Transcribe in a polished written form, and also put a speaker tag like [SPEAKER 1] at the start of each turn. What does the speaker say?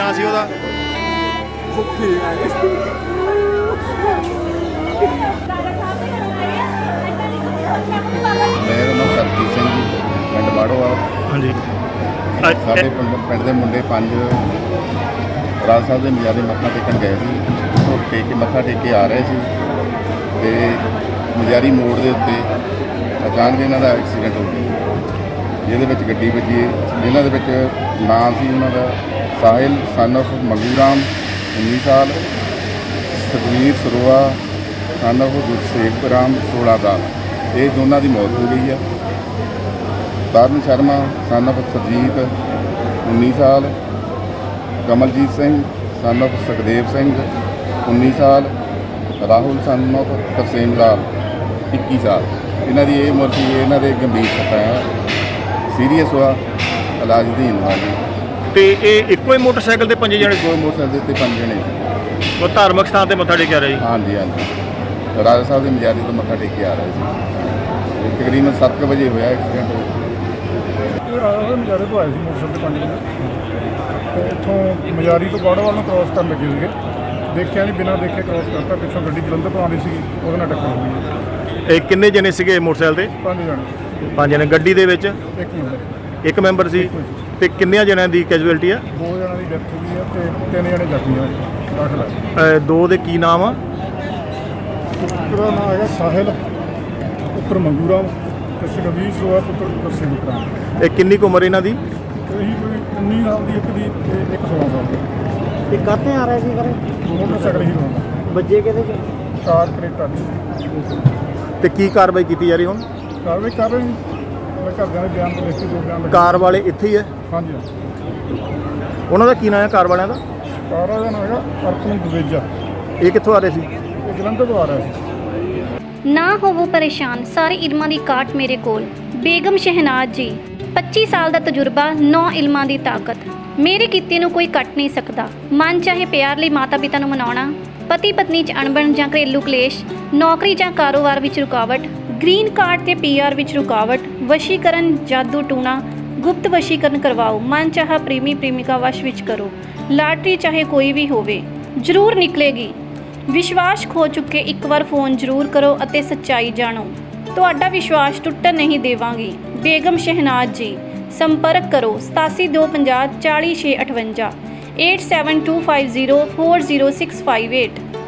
[SPEAKER 1] ਨਾਂ ਸੀ ਉਹਦਾ?
[SPEAKER 2] ਮੇਰਾ ਨਾਮ ਸਰਜੀਤ ਸਿੰਘ ਜੀ, ਪਿੰਡ ਬਾੜੋਵਾਲ।
[SPEAKER 1] ਹਾਂਜੀ।
[SPEAKER 2] ਸਾਡੇ ਪਿੰਡ ਦੇ ਮੁੰਡੇ 5 ਰਾਜ ਸਾਹਿਬ ਦੇ ਮਜਾਰੇ ਮੱਥਾ ਟੇਕਣ ਗਏ ਸੀ। ਉਹ ਮੱਥਾ ਟੇਕ ਕੇ ਆ ਰਹੇ ਸੀ ਅਤੇ ਮਜਾਰੀ ਮੋੜ ਦੇ ਉੱਤੇ ਅਚਾਨਕ ਇਹਨਾਂ ਦਾ ਐਕਸੀਡੈਂਟ ਹੋ ਗਿਆ, ਜਿਹਦੇ ਵਿੱਚ ਗੱਡੀ ਵੱਜੀ। ਜਿਨ੍ਹਾਂ ਦੇ ਵਿੱਚ ਨਾਮ ਸੀ ਉਹਨਾਂ ਦਾ ਸਾਹਿਲ ਸਨ ਆਫ ਮੰਗੂ ਰਾਮ 19 ਸਾਲ, ਸੁਖਵੀਰ ਸਰੋਆ ਸਨ ਆਫ ਗੁਰਸੇਵਕ ਰਾਮ 16 ਸਾਲ। ਇਹ ਦੋਨਾਂ ਦੀ ਮੌਤ ਹੋ ਗਈ ਆ। ਤਰਨ ਸ਼ਰਮਾ ਸਨ ਆਫ ਸਰਜੀਤ 19 ਸਾਲ, ਕਮਲਜੀਤ ਸਿੰਘ ਸਨ ਆਫ ਸੁਖਦੇਵ ਸਿੰਘ 19 ਸਾਲ, ਰਾਹੁਲ ਸਨ ਆਫ ਤਰਸੇਮ ਲਾਲ 21 ਸਾਲ। ਇਹਨਾਂ ਦੀ ਇਹ ਉਮਰ ਸੀ। ਇਹਨਾਂ ਦੇ ਗੰਭੀਰ ਸੱਟਾਂ ਆ, ਸੀਰੀਅਸ ਹੋਆ, ਇਲਾਜ ਅਧੀਨ ਵਾ ਜੀ।
[SPEAKER 1] ਤੇ ਇਹ ਇੱਕੋ ਹੀ ਮੋਟਰਸਾਈਕਲ ਤੇ 5 ਜਣੇ?
[SPEAKER 2] ਕੋਈ ਮੋਟਰਸਾਈਕਲ ਦੇ ਉੱਤੇ 5 ਜਣੇ ਸੀ।
[SPEAKER 1] ਉਹ ਧਾਰਮਿਕ ਸਥਾਨ ਤੇ ਮੱਥਾ ਟੇਕਿਆ ਰਹੇ?
[SPEAKER 2] ਹਾਂਜੀ ਹਾਂਜੀ, ਰਾਜਾ ਸਾਹਿਬ ਦੇ ਮਜਾਰੀ ਤੋਂ ਮੱਥਾ ਟੇਕ ਕੇ ਆ ਰਹੇ ਸੀ। ਤਕਰੀਬਨ 7 ਵਜੇ ਹੋਇਆ ਐਕਸੀਡੈਂਟ।
[SPEAKER 3] ਰਾਜਾ ਸਾਹਿਬ ਮਜਾਰੇ ਤੋਂ ਆਏ ਸੀ ਮੋਟਰਸਾਈਕਲ ਤੇ 5 ਵਜੇ, ਅਤੇ ਇੱਥੋਂ ਮਜਾਰੀ ਤੋਂ ਬਾੜੋਵਾਲ ਨੂੰ ਕ੍ਰੋਸ ਕਰਨ ਲੱਗੇ ਸੀਗੇ। ਦੇਖਿਆ ਨਹੀਂ, ਬਿਨਾਂ ਦੇਖੇ ਕ੍ਰੋਸ ਕਰਤਾ। ਪਿੱਛੋਂ ਗੱਡੀ ਜਲੰਧਰ ਤੋਂ ਆਉਂਦੀ ਸੀਗੀ, ਉਹਦੇ ਨਾਲ ਟੱਕਰ ਹੋ ਗਈ।
[SPEAKER 1] ਇਹ ਕਿੰਨੇ ਜਣੇ ਸੀਗੇ ਮੋਟਰਸਾਈਕਲ ਤੇ?
[SPEAKER 3] 5 ਜਣੇ।
[SPEAKER 1] 5 ਜਣੇ। ਗੱਡੀ ਦੇ ਵਿੱਚ
[SPEAKER 3] ਇੱਕ ਮਿੰਟ,
[SPEAKER 1] ਇੱਕ ਮੈਂਬਰ ਸੀ। ਤੇ ਕਿੰਨਿਆਂ ਜਣਿਆਂ ਦੀ ਕੈਜੂਅਲਟੀ ਆ?
[SPEAKER 3] 2 ਜਣਾਂ ਦੀ ਡੈਥ ਹੋ ਗਈ ਹੈ ਅਤੇ 3 ਜਣੇ ਜ਼ਖਮੀ ਹੋਏ, ਦਾਖਲ ਹੈ।
[SPEAKER 1] 2 ਦੇ ਕੀ ਨਾਮ ਆ?
[SPEAKER 3] ਪੁੱਤਰ ਦਾ ਨਾਮ ਹੈਗਾ ਸਾਹਿਲ ਪੁੱਤਰ ਮੰਗੂ ਰਾਮ, ਅਤੇ ਸੁਖਵੀਰ ਸਰੋਆ ਪੁੱਤਰ ਗੁਰਸੇਵਕ ਰਾਮ।
[SPEAKER 1] ਇਹ ਕਿੰਨੀ ਕੁ ਉਮਰ ਇਹਨਾਂ ਦੀ?
[SPEAKER 3] ਇਹੀ ਕੋਈ 19 ਸਾਲ ਦੀ, ਇੱਕ ਦੀ ਅਤੇ ਇੱਕ 16 ਸਾਲ ਦੀ।
[SPEAKER 4] ਇਹ ਕਾਹਤੇ ਆ ਰਹੇ ਸੀ ਘਰੇ?
[SPEAKER 3] ਮੋਟਰਸਾਈਕਲ ਹੀ ਹੋਣਾ,
[SPEAKER 4] ਵੱਜੇ ਕਿਹਦੇ ਚ?
[SPEAKER 3] ਕਾਰ ਕਰੇਟਾ ਦੀ।
[SPEAKER 1] ਤੇ ਕੀ ਕਾਰਵਾਈ ਕੀਤੀ ਜਾ ਰਹੀ ਹੁਣ?
[SPEAKER 3] ਕਾਰਵਾਈ ਕਰ ਰਹੇ ਨੇ, ਮੈਂ ਘਰਦਿਆਂ ਦੇ ਬਿਆਨ ਤੋਂ ਲਿਖ ਕੇ 2 ਬਿਆਨ ਲਿਖੇ।
[SPEAKER 1] ਕਾਰ ਵਾਲੇ ਇੱਥੇ ਹੀ ਹੈ?
[SPEAKER 3] ਹਾਂਜੀ,
[SPEAKER 1] ਉਹਨਾਂ ਦਾ ਕੀ ਨਾਮ ਹੈ ਕਾਰ ਵਾਲਿਆਂ ਦਾ?
[SPEAKER 3] ਕਾਰ ਦਾ ਨਾਮ ਹੈਗਾ ਅਰਪਨ ਦੁਵੇਜਾ।
[SPEAKER 1] ਇਹ ਕਿੱਥੋਂ ਆ ਰਹੇ ਸੀ?
[SPEAKER 3] ਇਹ ਜਲੰਧਰ ਤੋਂ ਆ ਰਿਹਾ ਸੀ।
[SPEAKER 5] ਨਾ ਹੋਵੋ ਪਰੇਸ਼ਾਨ, ਸਾਰੇ ਇਲਮਾਂ ਦੀ ਕਾਟ ਮੇਰੇ ਕੋਲ। ਬੇਗਮ ਸ਼ਹਿਨਾਜ਼ ਜੀ, 25 ਸਾਲ ਦਾ ਤਜਰਬਾ, 9 ਇਲਮਾਂ ਦੀ ਤਾਕਤ। ਮੇਰੇ ਕੀਤੇ ਨੂੰ ਕੋਈ ਕੱਟ ਨਹੀਂ ਸਕਦਾ। ਮਨ ਚਾਹੇ ਪਿਆਰ ਲਈ ਮਾਤਾ ਪਿਤਾ ਨੂੰ ਮਨਾਉਣਾ, ਪਤੀ ਪਤਨੀ 'ਚ ਅਣਬਣ ਜਾਂ ਘਰੇਲੂ ਕਲੇਸ਼, ਨੌਕਰੀ ਜਾਂ ਕਾਰੋਬਾਰ ਵਿੱਚ ਰੁਕਾਵਟ, ਗ੍ਰੀਨ ਕਾਰਡ ਤੇ PR ਵਿੱਚ ਰੁਕਾਵਟ, ਵਸ਼ੀਕਰਨ, ਜਾਦੂ ਟੂਣਾ, ਗੁਪਤ ਵਸ਼ੀਕਰਨ ਕਰਵਾਓ, ਮਨ ਚਾਹਾ ਪ੍ਰੇਮੀ ਪ੍ਰੇਮਿਕਾ ਵਸ਼ ਵਿੱਚ ਕਰੋ। ਲਾਟਰੀ ਚਾਹੇ ਕੋਈ ਵੀ ਹੋਵੇ, ਜ਼ਰੂਰ ਨਿਕਲੇਗੀ। ਵਿਸ਼ਵਾਸ ਖੋ ਚੁੱਕੇ ਇੱਕ ਵਾਰ ਫੋਨ ਜ਼ਰੂਰ ਕਰੋ ਅਤੇ ਸੱਚਾਈ ਜਾਣੋ। ਤੁਹਾਡਾ ਵਿਸ਼ਵਾਸ ਟੁੱਟਣ ਨਹੀਂ ਦੇਵਾਂਗੀ। ਬੇਗਮ ਸ਼ਹਿਨਾਜ਼ ਜੀ, ਸੰਪਰਕ ਕਰੋ 8725040658 8725040658।